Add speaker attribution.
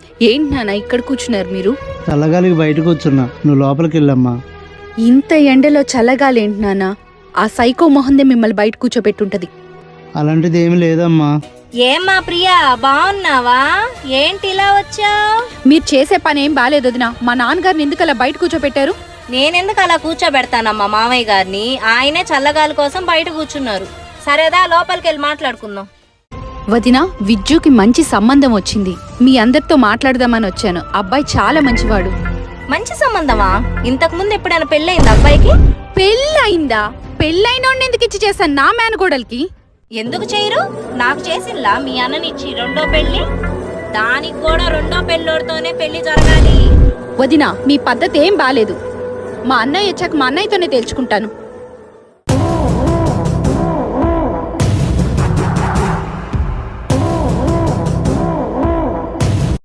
Speaker 1: ఏంటి నాన్న ఇక్కడ కూర్చున్నారు మీరు?
Speaker 2: చల్లగాలికి బయట కూర్చున్నా, నువ్వు లోపలికి వెళ్ళమ్మా.
Speaker 1: ఇంత ఎండలో చల్లగాలేంటి నాన్న? ఆ సైకో మొహందే మిమ్మల్ని బయట కూర్చోబెట్టుంటది.
Speaker 2: అలాంటిది ఏమి లేదమ్మా.
Speaker 3: ఏమ్మా ప్రియా, బాగున్నావా? ఏంటి ఇలా వచ్చావు?
Speaker 1: మీరు చేసే పని ఏం బాలేదు వదినా. మా నాన్నగారిని ఎందుకు అలా బయట కూర్చోబెట్టారు?
Speaker 3: నేనెందుకు అలా కూర్చోబెడతానమ్మా మామయ్య గారిని? ఆయనే చల్లగాలి కోసం బయట కూర్చున్నారు. సరేదా, లోపలికి వెళ్ళి మాట్లాడుకుందాం.
Speaker 1: వదినా, విజ్జుకి మంచి సంబంధం వచ్చింది. మీ అందరితో మాట్లాడదామని వచ్చాను. అబ్బాయి చాలా మంచివాడు.
Speaker 3: మంచి సంబంధమా? ఇంతకు ముందు ఎప్పుడైనా పెళ్ళయింది అబ్బాయికి?
Speaker 1: పెళ్ళయిందా? పెళ్ళైనోడిని ఎందుకు ఇచ్చి చేశాను నా మేనగోడలికి?
Speaker 3: ఎందుకు చేయరు? నాకు చేసిల్లా మీ అన్ననిచ్చి రెండో పెళ్లి? దానికి కూడా రెండో పెళ్ళోడితోనే పెళ్లి జరగాలి.
Speaker 1: వదినా, మీ పద్ధతి ఏం బాలేదు. మా అన్నయ్య వచ్చాక మా అన్నయ్యతోనే తేల్చుకుంటాను.